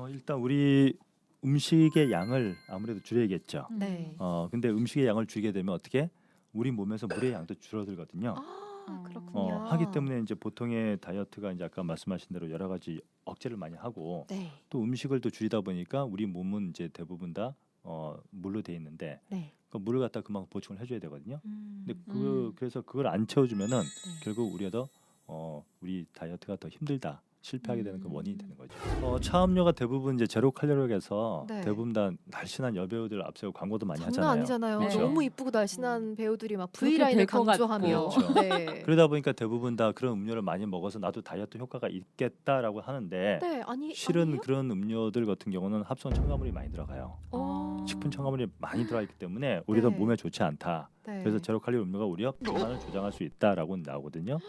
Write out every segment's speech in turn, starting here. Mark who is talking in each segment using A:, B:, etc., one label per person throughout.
A: 일단 우리 음식의 양을 아무래도 줄여야겠죠.
B: 네.
A: 근데 음식의 양을 줄이게 되면 어떻게 우리 몸에서 물의 양도 줄어들거든요.
B: 그렇군요.
A: 하기 때문에 이제 보통의 다이어트가 이제 아까 말씀하신 대로 여러 가지 억제를 많이 하고
B: 네.
A: 또 음식을 또 줄이다 보니까 우리 몸은 이제 대부분 다 물로 돼 있는데
B: 네.
A: 그 물을 갖다 그만큼 보충을 해줘야 되거든요. 근데
B: 음.
A: 그래서 그걸 안 채워주면은
B: 네.
A: 결국 우리가 더 우리 다이어트가 더 힘들다. 실패하게 되는 그 원인이
B: 음.
A: 되는 거죠. 차음료가 대부분 이제 제로 칼로리에서
B: 네.
A: 대부분 다 날씬한 여배우들 앞세우고 광고도 많이
B: 장난
A: 하잖아요.
B: 아니잖아요.
C: 네.
B: 너무 이쁘고 날씬한 배우들이 막
C: 그렇게
B: V라인을
C: 될것
B: 강조하며.
A: 같고.
B: 네.
A: 그러다 보니까 대부분 다 그런 음료를 많이 먹어서 나도 다이어트 효과가 있겠다라고 하는데
B: 네, 아니
A: 실은
B: 아니에요?
A: 그런 음료들 같은 경우는 합성 첨가물이 많이 들어가요. 식품 첨가물이 많이 들어가 있기 때문에 오히려
B: 네.
A: 몸에 좋지 않다.
B: 네.
A: 그래서 제로 칼로리 음료가 오히려 비만을 조장할 수 있다라고 나오거든요.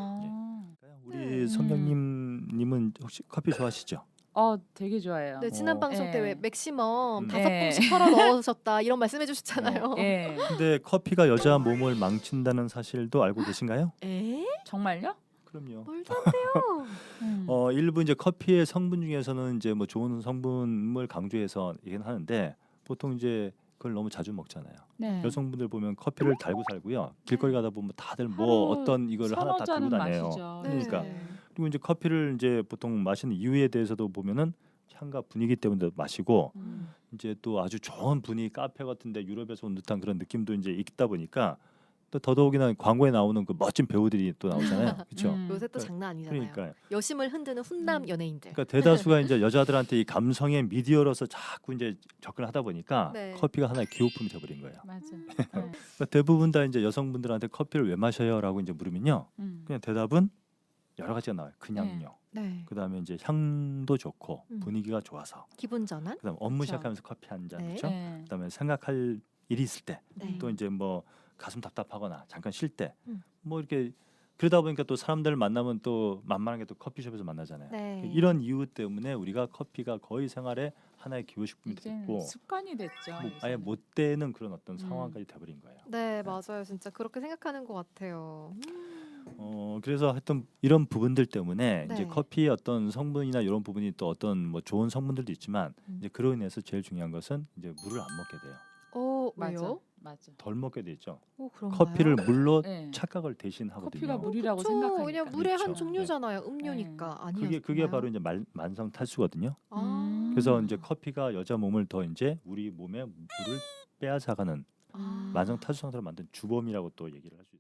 A: 우리
B: 네.
A: 성경님은 혹시 커피 좋아하시죠?
C: 되게 좋아해요.
B: 네, 지난
A: 어.
B: 방송 때 왜
C: 네.
B: 맥시멈
A: 음.
B: 5봉씩 털어 넣으셨다 이런 말씀해 주셨잖아요.
C: 예.
A: 근데 커피가 여자 몸을 망친다는 사실도 알고 계신가요?
B: 에?
C: 정말요?
A: 그럼요.
B: 말도 안 돼요.
A: 일부 이제 커피의 성분 중에서는 이제 뭐 좋은 성분을 강조해서 얘기는 하는데 보통 이제 그걸 너무 자주 먹잖아요.
C: 네.
A: 여성분들 보면 커피를 달고 살고요. 길거리 가다 보면 다들 뭐
C: 하루
A: 어떤 이거를 하나 다 들고
C: 잔은
A: 다녀요.
C: 마시죠.
A: 그러니까.
B: 네.
A: 그리고 이제 커피를 이제 보통 마시는 이유에 대해서도 보면은 향과 분위기 때문에 마시고 이제 또 아주 좋은 분위기 카페 같은데 유럽에서 온 듯한 그런 느낌도 이제 있다 보니까 또 더더욱이나 광고에 나오는 그 멋진 배우들이 또 나오잖아요. 그렇죠?
B: 요새 또
A: 그러니까-
B: 장난 아니잖아요.
A: 그러니까요.
B: 여심을 흔드는 훈남 연예인들.
A: 그러니까 대다수가 이제 여자들한테 이 감성의 미디어로서 자꾸 이제 접근을 하다 보니까
B: 네.
A: 커피가 하나의 기호품이 돼버린 거예요.
C: 맞아.
A: 그러니까 대부분 다 이제 여성분들한테 커피를 왜 마셔요라고 이제 물으면요, 그냥 대답은 여러 가지가 나와요. 그냥요.
B: 네.
A: 그다음에 이제 향도 좋고
B: 음.
A: 분위기가 좋아서.
B: 기분 전환?
A: 그다음 업무
C: 그쵸.
A: 시작하면서 커피 한 잔,
B: 네.
A: 그렇죠?
C: 네.
A: 그다음에 생각할 일이 있을 때,
B: 네.
A: 또 이제 뭐 가슴 답답하거나 잠깐 쉴 때,
B: 음.
A: 뭐 이렇게 그러다 보니까 또 사람들 만나면 또 만만하게 또 커피숍에서 만나잖아요.
B: 네.
A: 이런 이유 때문에 우리가 커피가 거의 생활의 하나의 기호식품이
C: 이제
A: 됐고
C: 습관이 됐죠.
A: 뭐 아예
C: 요새는.
A: 못 되는 그런 어떤 상황까지 돼버린 거예요.
B: 네, 맞아요. 진짜 그렇게 생각하는 것 같아요.
A: 그래서 하여튼 이런 부분들 때문에 이제
B: 네.
A: 커피의 어떤 성분이나 이런 부분이 또 어떤 뭐 좋은 성분들도 있지만 이제 그로 인해서 제일 중요한 것은 이제 물을 안 먹게 돼요.
C: 맞아.
B: 왜요?
C: 맞아.
A: 덜 먹게 되죠.
B: 그런가요?
A: 커피를 물로
C: 네.
A: 착각을 대신하거든요.
C: 커피가 물이라고
B: 그쵸.
C: 생각하니까.
B: 그냥 물의 한
A: 그렇죠.
B: 종류잖아요. 음료니까. 아니었나요?
A: 그게 바로 이제 만성 탈수거든요.
B: 아.
A: 그래서 이제 커피가 여자 몸을 더 이제 우리 몸에 물을 빼앗아가는
B: 아.
A: 만성 탈수 상태로 만든 주범이라고 또 얘기를 할 수 있어요.